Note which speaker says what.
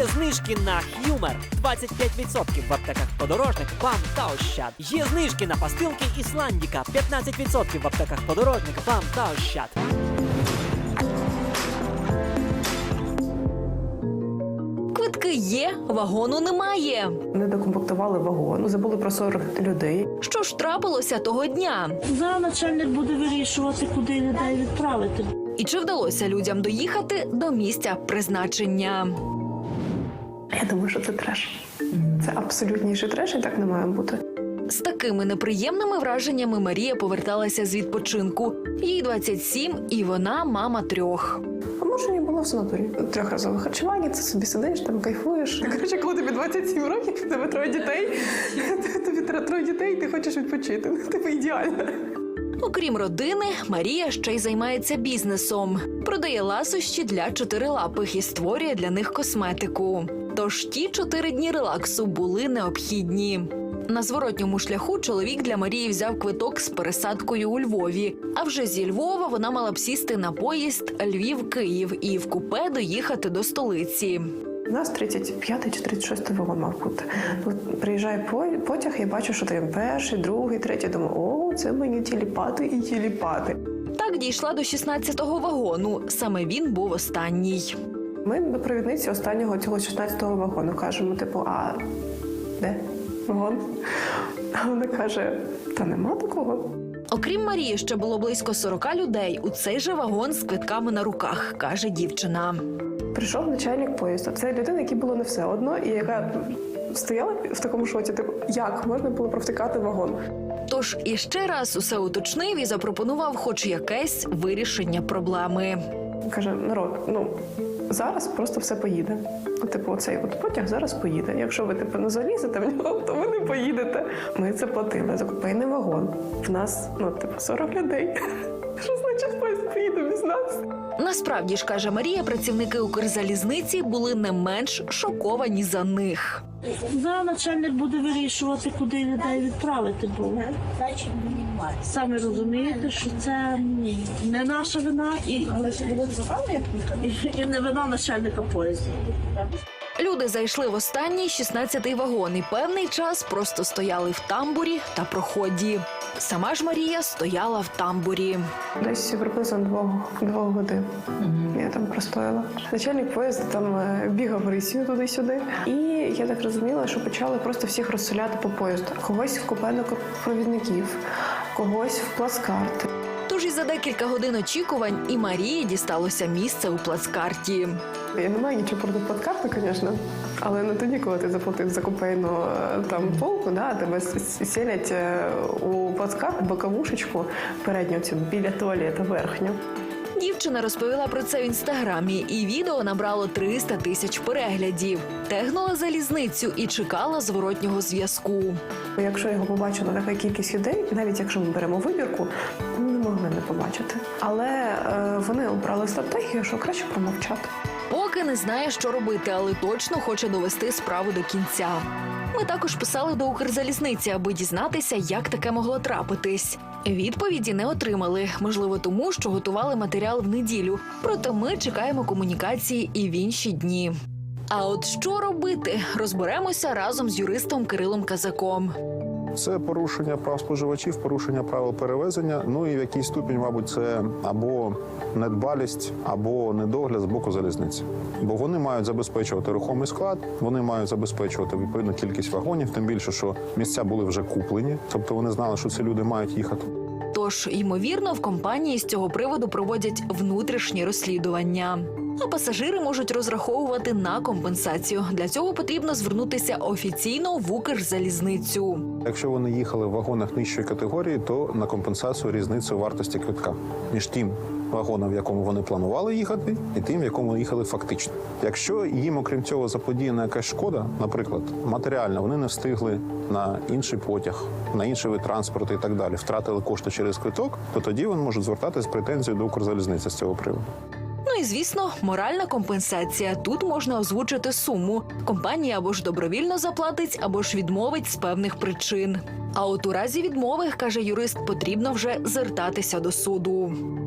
Speaker 1: Є знижки на Humor 25% в аптеках Подорожник, БАМ та Ощад. Є знижки на пастилки Ісландіка 15% в аптеках Подорожник, БАМ та Ощад.
Speaker 2: Квитки є, вагону немає.
Speaker 3: Не докомплектували вагон, забули про 40 людей.
Speaker 2: Що ж трапилося того дня?
Speaker 4: Зараз начальник буде вирішувати, куди людей відправити.
Speaker 2: І чи вдалося людям доїхати до місця призначення?
Speaker 3: Я думаю, що це треш. Це абсолютніший треш, і так не має бути.
Speaker 2: З такими неприємними враженнями Марія поверталася з відпочинку. Їй 27, і вона мама 3.
Speaker 3: А може, я була в санаторії. 3-разове харчування, ти собі сидиш, там кайфуєш. Коротше, коли тобі 27 років, в тебе 3 дітей, тобі 3 дітей, і ти хочеш відпочити. Тебе ідеально.
Speaker 2: Окрім родини, Марія ще й займається бізнесом. Продає ласощі для чотирилапих і створює для них косметику. Тож ті 4 дні релаксу були необхідні. На зворотньому шляху чоловік для Марії взяв квиток з пересадкою у Львові. А вже зі Львова вона мала б сісти на поїзд Львів-Київ і в купе доїхати до столиці.
Speaker 3: У нас 35-й чи 36-й вагон мав бути. Приїжджає потяг, я бачу, що там 1-й, 2-й, 3-й. Думаю, о, це мені тіліпати і тіліпати.
Speaker 2: Так дійшла до 16-го вагону. Саме він був останній.
Speaker 3: Ми до провідниці останнього цього 16-го вагону кажемо, а де вагон? А вона каже, та нема такого.
Speaker 2: Окрім Марії, ще було близько 40 людей у цей же вагон з квитками на руках, каже дівчина.
Speaker 3: Прийшов начальник поїзду. Це людина, якій було не все одно, і яка стояла в такому шоці, як можна було провтикати вагон.
Speaker 2: Тож іще раз усе уточнив і запропонував хоч якесь вирішення проблеми.
Speaker 3: Каже, народ, зараз просто все поїде. Оцей потяг зараз поїде. Якщо ви не залізете в нього, то ви не поїдете. Ми це платили. Закупейний вагон. В нас, 40 людей. Що значить поїзд поїде без нас?
Speaker 2: Насправді ж, каже Марія, працівники Укрзалізниці були не менш шоковані за них.
Speaker 4: Зараз начальник буде вирішувати, куди людей відправити. Бо самі розумієте, що це не наша вина і не вина начальника поїзду.
Speaker 2: Люди зайшли в останній 16-й вагон і певний час просто стояли в тамбурі та проході. Сама ж Марія стояла в тамбурі.
Speaker 3: Десь приблизно 2 годин я там простояла. Начальник поїзду там бігав рисію туди-сюди. І я так розуміла, що почали просто всіх розселяти по поїзду. Когось в купе провідників, когось в плацкарти.
Speaker 2: Тож і за декілька годин очікувань і Марії дісталося місце у плацкарті.
Speaker 3: Я не маю нічого проти плацкарти, звісно, але не тоді, коли ти заплатив за купейну полку, тебе селять у плацкарт боковушечку передню цю біля туалету верхню.
Speaker 2: Дівчина розповіла про це в інстаграмі, і відео набрало 300 тисяч переглядів. Тегнула залізницю і чекала зворотнього зв'язку.
Speaker 3: Якщо його побачила така кількість людей, навіть якщо ми беремо вибірку, не могли не побачити. Але вони обрали стратегію, що краще промовчати.
Speaker 2: Поки не знає, що робити, але точно хоче довести справу до кінця. Ми також писали до Укрзалізниці, аби дізнатися, як таке могло трапитись. Відповіді не отримали, можливо тому, що готували матеріал в неділю. Проте ми чекаємо комунікації і в інші дні. А от що робити, розберемося разом з юристом Кирилом Казаком.
Speaker 5: Це порушення прав споживачів, порушення правил перевезення, і в якийсь ступінь, мабуть, це або недбалість, або недогляд з боку залізниці. Бо вони мають забезпечувати рухомий склад, вони мають забезпечувати відповідну кількість вагонів, тим більше, що місця були вже куплені, тобто вони знали, що ці люди мають їхати.
Speaker 2: Тож, ймовірно, в компанії з цього приводу проводять внутрішні розслідування. А пасажири можуть розраховувати на компенсацію. Для цього потрібно звернутися офіційно в Укрзалізницю.
Speaker 5: Якщо вони їхали в вагонах нижчої категорії, то на компенсацію різницю вартості квитка між тим вагоном, в якому вони планували їхати, і тим, в якому їхали фактично. Якщо їм, окрім цього, заподіяна якась шкода, наприклад, матеріальна, вони не встигли на інший потяг, на інший вид транспорту і так далі, втратили кошти через квиток, то тоді вони можуть звертатися з претензією до Укрзалізниці з цього приводу.
Speaker 2: І, звісно, моральна компенсація. Тут можна озвучити суму. Компанія або ж добровільно заплатить, або ж відмовить з певних причин. А от у разі відмови, каже юрист, потрібно вже звертатися до суду.